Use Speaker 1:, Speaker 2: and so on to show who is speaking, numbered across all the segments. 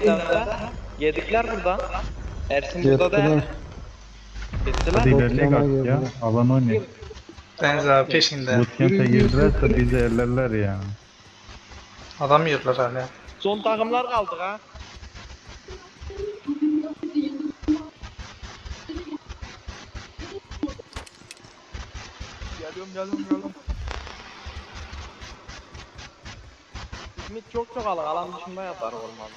Speaker 1: yedikler. Yedikler burada. Ersin burada da.
Speaker 2: Yettiler.
Speaker 1: Gittiler.
Speaker 3: Hadi ilerleyek
Speaker 2: Bootcamp'a
Speaker 3: artık ya.
Speaker 2: girdiler.
Speaker 3: Alan oynayalım.
Speaker 4: Deniz abi peşinde.
Speaker 3: Bootcamp'e girdilerse bizi ellerler ya.
Speaker 4: Adam yiyorlar hala.
Speaker 1: Son takımlar kaldı ha. Geliyorum. İsmit çok alık. Alan dışında yatar olmalı.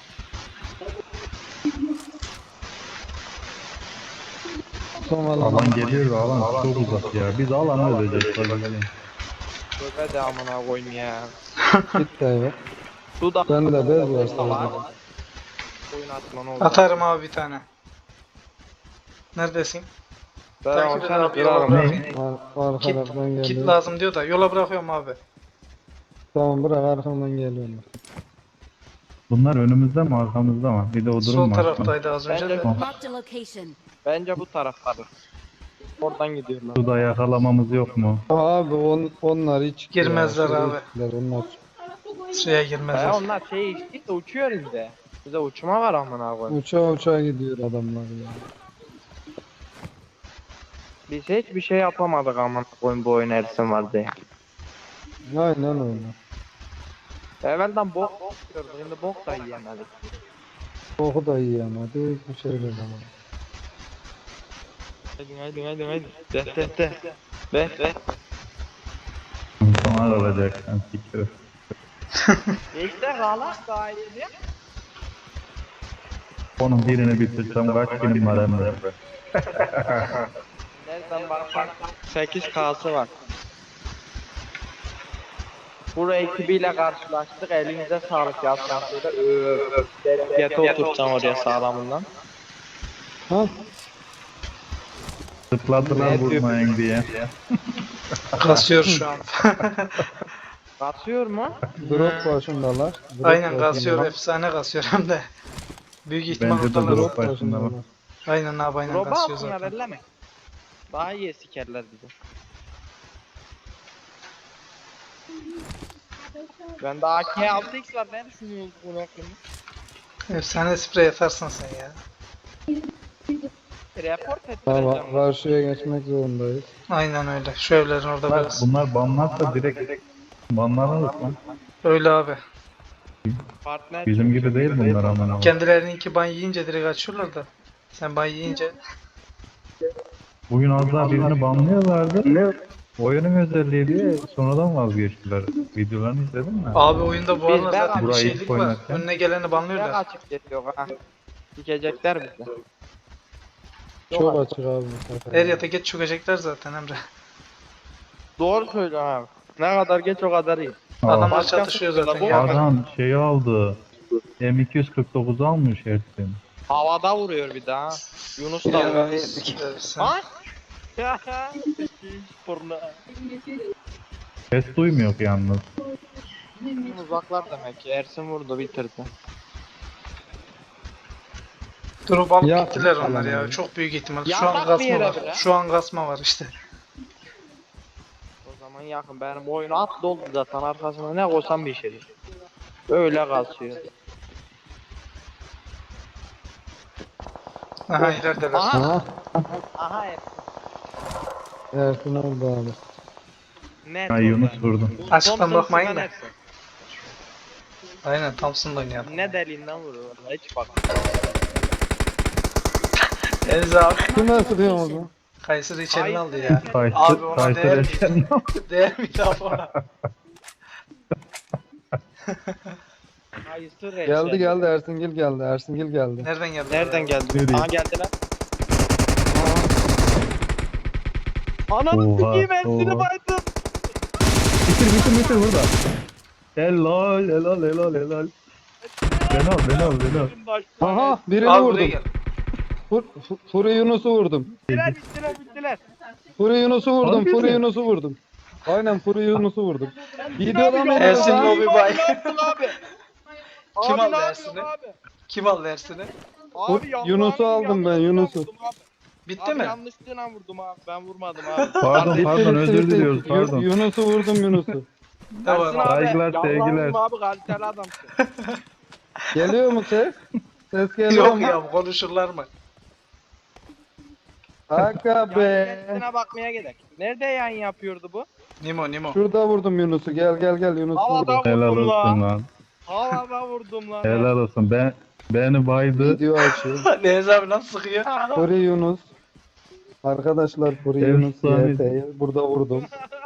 Speaker 2: Son
Speaker 3: Alan
Speaker 2: alan.
Speaker 3: geliyor ve alan çok uzak ya. Biz alanı öleceğiz.
Speaker 1: Tövbe de amına koyayım ya.
Speaker 2: Git de evet.
Speaker 1: Dudak.
Speaker 2: Ben de bez var sadece.
Speaker 1: Oyun atma ne olur.
Speaker 4: Atarım abi bir tane. Neredesin?
Speaker 1: Ben
Speaker 4: Takip et
Speaker 1: sen
Speaker 4: abi,
Speaker 1: kırarım.
Speaker 4: yola bırakayım.
Speaker 2: Arkadan
Speaker 4: Kit
Speaker 2: geliyor.
Speaker 4: lazım diyor da yola bırakıyorum abi.
Speaker 2: Tamam bırak arkamdan geliyorum.
Speaker 3: Bunlar önümüzde mi arkamızda mı? Bir de o
Speaker 4: Sol
Speaker 3: durum var.
Speaker 4: taraftaydı az önce de.
Speaker 5: Marked a location.
Speaker 1: Bence bu taraftadır. Oradan gidiyorlar.
Speaker 3: Suda yakalamamız yok mu?
Speaker 2: Abi onlar hiç
Speaker 4: Girmezler
Speaker 2: ya,
Speaker 4: abi.
Speaker 2: gittiler, onlar.
Speaker 4: Suya girmezler.
Speaker 1: Onlar içtik de uçuyor işte. Bize uçma var amına koyayım.
Speaker 2: Uçağa gidiyor adamlar ya.
Speaker 1: Biz hiçbir şey yapamadık amına koyayım bu oyun Ersin var diye.
Speaker 2: Aynen öyle.
Speaker 1: Evvelden bok yiyorduk, şimdi bok da yiyemedik.
Speaker 2: Koku da yiyemedi. Bir şey de zaman.
Speaker 1: Haydi. De.
Speaker 3: Sonra olacak. Sen siktir.
Speaker 1: İşte galak daha iyi diye.
Speaker 3: Onun birini bitirsem kaç kilim var Emre?
Speaker 1: Nereden baksan 8K'sı var. Bu ekibiyle karşılaştık. Elinize sağlık yazsan şöyle. Yete oturtacağım oraya sağlamından.
Speaker 2: Ha?
Speaker 3: Tıkladılar vurmayın diye.
Speaker 4: Kasıyor şu an.
Speaker 1: Katıyor mu?
Speaker 2: Drop başındalar. Drop
Speaker 4: Aynen
Speaker 2: başındalar.
Speaker 4: kasıyor, efsane kasıyor hem de. Büyük ihtimal
Speaker 3: Bence de
Speaker 4: oradalar.
Speaker 3: drop
Speaker 2: Drop
Speaker 3: başında bak.
Speaker 2: başındalar.
Speaker 4: Aynen abi aynen
Speaker 1: Roba
Speaker 4: kasıyor
Speaker 1: altına
Speaker 4: zaten.
Speaker 1: elleme. Daha iyi sikerler bizi. Ben de AK 6X var, ne düşünüyorsun bunu hakkında?
Speaker 4: Efsane sprey atarsın sen ya.
Speaker 1: Report
Speaker 2: Tamam
Speaker 1: ettireceğim.
Speaker 2: karşıya geçmek zorundayız.
Speaker 4: Aynen öyle. Şu evlerin orada biraz.
Speaker 3: Bunlar banlarsa direkt banlanırız lan.
Speaker 4: Öyle abi.
Speaker 1: Partner
Speaker 3: Bizim gibi değil bunlar ama.
Speaker 4: Kendilerininki ban yiyince direkt açıyorlar da. Sen ban yiyince.
Speaker 3: Bugün az daha birini banlıyorlardı. Oyunun özelliği diye sonradan vazgeçtiler. Videolarını izledin mi?
Speaker 4: Abi oyunda bu
Speaker 1: Biz
Speaker 4: aralar
Speaker 1: ben-
Speaker 4: zaten bir
Speaker 3: Burayı
Speaker 4: şeylik var.
Speaker 3: oynarken-
Speaker 4: Önüne geleni
Speaker 1: çok
Speaker 4: banlıyorlar.
Speaker 1: açık geçiyor ha. Dikecekler bizi.
Speaker 2: Çok açık abi bu sefer.
Speaker 4: Her yata geç çökecekler zaten Emre.
Speaker 1: Doğru söylüyorsun abi. Ne kadar geç o kadar iyi.
Speaker 4: Adamlar
Speaker 1: Başka
Speaker 4: çatışıyor
Speaker 1: sıkıntı
Speaker 4: zaten
Speaker 1: da bu
Speaker 4: ya.
Speaker 1: var.
Speaker 3: Adam şeyi aldı. M249 almış Ersin.
Speaker 1: Havada vuruyor bir daha. Yunus da
Speaker 4: Ya,
Speaker 1: vuruyor.
Speaker 4: sen-
Speaker 1: Ha? Porno.
Speaker 3: Ses duymuyor yalnız.
Speaker 1: Uzaklar demek ki. Ersin vurdu bitirdi.
Speaker 4: Durup alıp
Speaker 2: Ya.
Speaker 4: gittiler onlar ya. Çok büyük ihtimal. Şu
Speaker 1: Yatak
Speaker 4: an
Speaker 1: bir
Speaker 4: kasma
Speaker 1: yere
Speaker 4: var.
Speaker 1: bile.
Speaker 4: Şu an kasma var işte.
Speaker 1: O zaman yakın. Benim oyunu at doldu zaten. Arkasına ne koysam bir şey değil. Öyle kasıyor.
Speaker 4: Aha ilerideler.
Speaker 1: Aha.
Speaker 2: Aha.
Speaker 1: Aha Ersin.
Speaker 2: Ersin oldu abi.
Speaker 1: Net.
Speaker 3: Ha Yunus vurdu.
Speaker 4: Açıktan
Speaker 1: Thompson
Speaker 4: bakmayın
Speaker 1: Sıvan
Speaker 4: da.
Speaker 1: Ersin.
Speaker 4: Aynen Thompson'da oynayalım.
Speaker 1: Ne deliğinden vuruyor. Vallahi hiç bak.
Speaker 4: Deniz abi.
Speaker 2: Kime sıkıyor mu?
Speaker 4: Kayseri içeri aldı ya. Abi
Speaker 3: Kayser,
Speaker 4: ona
Speaker 3: Kayser
Speaker 4: değer
Speaker 3: Ersin.
Speaker 4: miydi? Değer miydi abi ona?
Speaker 1: Hayır,
Speaker 2: Geldi Ersingil geldi. Ersingil geldi.
Speaker 4: Nereden geldi?
Speaker 1: Nereden geldi?
Speaker 3: Nereye?
Speaker 1: Aha geldiler. Ananı
Speaker 3: Oha,
Speaker 1: sikeyim Ersin'i
Speaker 3: oha.
Speaker 1: baydım.
Speaker 3: Bitir burada. Helal. Ben al.
Speaker 2: Aha birini
Speaker 4: Abi buraya
Speaker 2: vurdum.
Speaker 4: gel.
Speaker 2: Furi Yunus'u vurdum.
Speaker 1: Bittiler.
Speaker 2: Furi Yunus'u vurdum.
Speaker 3: Harbi
Speaker 2: Furi
Speaker 3: mi?
Speaker 2: Yunus'u vurdum. Aynen Furi Yunus'u vurdum. Videodan mı
Speaker 4: Ersin
Speaker 2: lan?
Speaker 4: Lobi Bay.
Speaker 1: abi.
Speaker 4: Kim
Speaker 1: Abi,
Speaker 4: aldı
Speaker 1: ne
Speaker 4: Ersin'i?
Speaker 1: yapıyorsun abi?
Speaker 4: Kim aldı Ersin'i?
Speaker 1: Abi,
Speaker 2: Yunus'u
Speaker 1: yanlış
Speaker 2: aldım ben,
Speaker 1: yanlış
Speaker 2: Yunus'u.
Speaker 1: vurdum abi.
Speaker 4: Bitti
Speaker 1: Abi
Speaker 4: mi?
Speaker 1: yanlışlığına vurdum abi. Ben vurmadım abi.
Speaker 3: Pardon özür diliyoruz pardon.
Speaker 2: Yunus'u vurdum Yunus'u.
Speaker 4: Tamam.
Speaker 1: Ersin abi.
Speaker 3: Saygılar,
Speaker 1: yalvarırım
Speaker 3: sevgiler.
Speaker 1: abi kaliteli adamsın.
Speaker 2: Geliyor mu ses? Ses geliyor
Speaker 4: Yok
Speaker 2: mu?
Speaker 4: ya konuşurlar mı?
Speaker 2: Aga
Speaker 1: Yani
Speaker 2: be.
Speaker 1: kendisine bakmaya gerek. Nerede yayın yapıyordu bu?
Speaker 4: Nimo.
Speaker 2: Şurada vurdum Yunus'u. Gel Yunus
Speaker 1: Havada
Speaker 2: vurdum.
Speaker 3: Helal
Speaker 1: vurdum
Speaker 3: olsun
Speaker 1: lan.
Speaker 3: lan.
Speaker 1: Havada vurdum lan.
Speaker 3: Helal olsun. Beni baydı.
Speaker 2: Video açıyor.
Speaker 4: Deniz abi nasıl sıkıyor?
Speaker 2: Furi Yunus. Arkadaşlar Furi Yunus
Speaker 3: Efsane.
Speaker 2: YT'yi burada vurdum.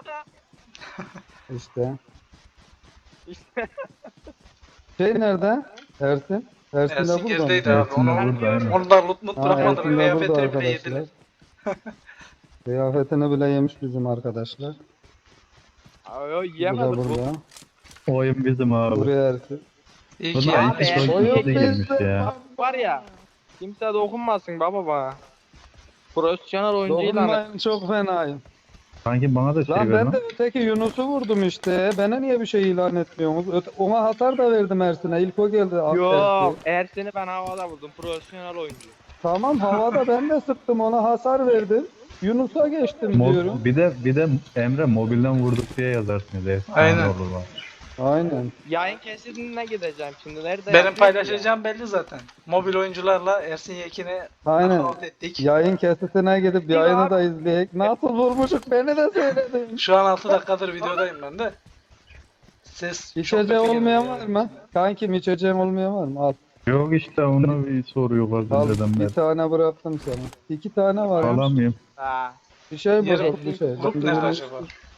Speaker 2: İşte.
Speaker 1: İşte
Speaker 2: Şey nerede? Ersin. Ersin de
Speaker 4: Ersin
Speaker 2: burada mı?
Speaker 4: gerideydi abi.
Speaker 3: Ersin de
Speaker 4: Onu,
Speaker 3: burada, aynen.
Speaker 4: onu da loot
Speaker 2: Ha,
Speaker 4: bırakmadı.
Speaker 2: Ersin de burada
Speaker 4: Kıyafetini bile
Speaker 2: arkadaşlar.
Speaker 4: yediler.
Speaker 2: Kıyafetini bile yemiş bizim arkadaşlar.
Speaker 1: Ay,
Speaker 2: Bu da
Speaker 1: yiyemedik bu.
Speaker 2: burada.
Speaker 3: Oyun bizim abi.
Speaker 2: Buraya Ersin.
Speaker 4: İyi ki
Speaker 3: Bunlar
Speaker 4: ya.
Speaker 1: Abi,
Speaker 3: iki
Speaker 1: Ersin
Speaker 3: çok
Speaker 1: Oyun
Speaker 3: gizli girmiş
Speaker 2: bizde.
Speaker 3: ya.
Speaker 1: Var ya. Kimse dokunmasın baba bana. Profesyonel oyuncu ilan et.
Speaker 2: Dokunmayın çok fenayım.
Speaker 3: Sanki bana da şey
Speaker 2: Lan
Speaker 3: ver
Speaker 2: ben
Speaker 3: lan.
Speaker 2: de öteki Yunus'u vurdum işte. Bana niye bir şey ilan etmiyorsunuz? Ona hasar da verdim Ersin'e. İlk o geldi.
Speaker 1: Yok.
Speaker 2: Ersin.
Speaker 1: Ersin'i ben havada vurdum. Profesyonel oyuncu.
Speaker 2: Tamam havada ben de sıktım ona hasar verdim. Yunus'a geçtim diyorum.
Speaker 3: Bir de Emre mobilden vurduk diye yazarsın.
Speaker 4: Aynen.
Speaker 3: Olur lan.
Speaker 2: Aynen.
Speaker 1: Yayın kesidine gideceğim şimdi. Nerede
Speaker 4: Benim
Speaker 1: yapıyorsun
Speaker 4: paylaşacağım belli zaten. Mobil oyuncularla Ersin Yekin'i
Speaker 2: Aynen.
Speaker 4: knockout ettik.
Speaker 2: Yayın kesitine gidip
Speaker 1: Ya.
Speaker 2: yayını da izleyek. Nasıl vurmuşuk beni de söyledin.
Speaker 4: Şu an 6 dakikadır videodayım ben de. Ses çok
Speaker 2: İçeceği
Speaker 4: kötü
Speaker 2: olmayan
Speaker 4: geliyor.
Speaker 2: var mı? Kankim içeceğim olmayan var mı? Al.
Speaker 3: Yok işte onu bir soruyorlar
Speaker 2: Al
Speaker 3: bizden
Speaker 2: bir
Speaker 3: beri.
Speaker 2: tane bıraktım sana. 2 tane var. ya.
Speaker 3: Alamıyorum.
Speaker 1: Ha.
Speaker 2: Bir şey
Speaker 4: Yeri-
Speaker 2: bozuk bir şey.
Speaker 4: Grup nerede acaba?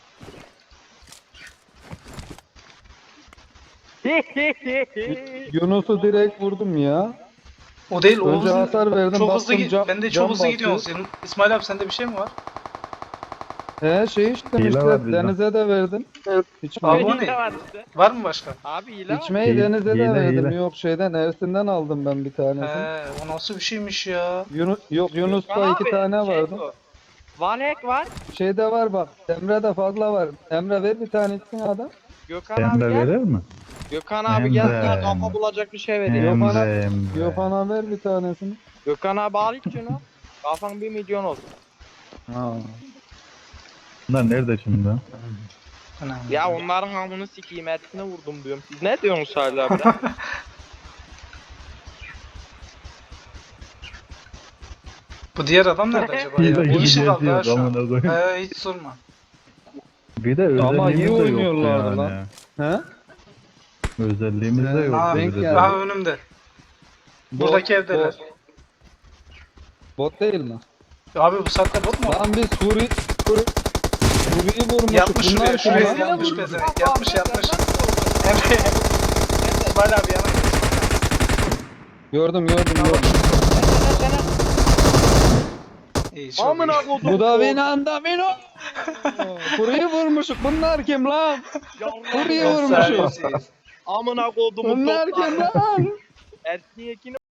Speaker 2: Yunus'u direkt vurdum ya.
Speaker 4: O değil, o
Speaker 2: Önce
Speaker 4: hızlı,
Speaker 2: hasar verdim,
Speaker 4: çok hızlı
Speaker 2: bastım,
Speaker 4: ben de
Speaker 2: cam
Speaker 4: çok hızlı
Speaker 2: basıyor.
Speaker 4: gidiyorsun. Senin, İsmail abi sende bir şey mi var?
Speaker 2: Şey içtim
Speaker 3: Hile
Speaker 2: işte
Speaker 3: var bizde.
Speaker 2: denize de verdim.
Speaker 4: Abi
Speaker 2: İçmeyi,
Speaker 4: o ne?
Speaker 1: Hile var işte.
Speaker 4: Var mı başka?
Speaker 1: Abi hile var.
Speaker 2: içmeyi denize de
Speaker 3: Hile,
Speaker 2: verdim.
Speaker 3: hile.
Speaker 2: Yok şeyden Ersin'den aldım ben bir tanesini.
Speaker 4: O nasıl bir şeymiş ya?
Speaker 2: Yok Yunus'ta
Speaker 1: Gökhan
Speaker 2: 2
Speaker 1: abi,
Speaker 2: tane
Speaker 1: şey
Speaker 2: vardı.
Speaker 1: bu. Valek var.
Speaker 2: Şeyde var bak. Emre'de fazla var. Emre ver bir tanesini adam.
Speaker 1: Gökhan abi
Speaker 3: Emre
Speaker 1: gel.
Speaker 3: verir mi?
Speaker 1: Gökhan abi
Speaker 3: Emre,
Speaker 1: gel. Sana
Speaker 3: Emre.
Speaker 1: kafa bulacak bir şey vereyim.
Speaker 3: Emre.
Speaker 2: Gökhan'a ver bir tanesini.
Speaker 1: Gökhan abi al hiç şunu. Kafan 1 milyon olsun.
Speaker 2: Ha.
Speaker 3: Bunlar nerede şimdi?
Speaker 4: Anam.
Speaker 1: Ya onların hamını sikeyim etine vurdum diyorum. Siz ne diyorsunuz hala abi? de?
Speaker 4: Bu diğer adam nerede acaba
Speaker 3: Bir
Speaker 4: ya?
Speaker 3: de
Speaker 4: Bir işi kaldı ha
Speaker 3: yok
Speaker 4: şu an.
Speaker 3: amına koyayım.
Speaker 4: Hiç sorma.
Speaker 3: Bir de özelliğimiz
Speaker 2: Ama iyi
Speaker 3: de yoktu
Speaker 2: oynuyorlardı
Speaker 3: yani.
Speaker 2: lan. He?
Speaker 3: Özelliğimiz de
Speaker 2: Aa,
Speaker 3: yoktu.
Speaker 2: denk
Speaker 3: bir de.
Speaker 2: geldi.
Speaker 4: Aha önümde. Buradaki evdeler.
Speaker 2: Bot değil mi?
Speaker 4: Abi bu saatte bot mu?
Speaker 2: Lan biz Furi'yi vurmuşuk.
Speaker 4: Yatmış
Speaker 2: Bunlar
Speaker 4: şuraya,
Speaker 2: kim
Speaker 4: şuraya
Speaker 2: lan?
Speaker 4: yatmış pezevenk. Yatmış. Emre. İsmail abi yana git.
Speaker 2: Gördüm.
Speaker 4: İyi çok
Speaker 1: Amına
Speaker 4: iyi.
Speaker 1: kodum.
Speaker 2: Bu da Vino. Furi'yi vurmuşuk. Bunlar kim lan? Furi'yi vurmuşuk.
Speaker 4: Efsanesiyiz.
Speaker 1: Amına kodumun
Speaker 2: Bunlar kim
Speaker 1: topları.
Speaker 2: lan?
Speaker 1: Ersin Yekin'i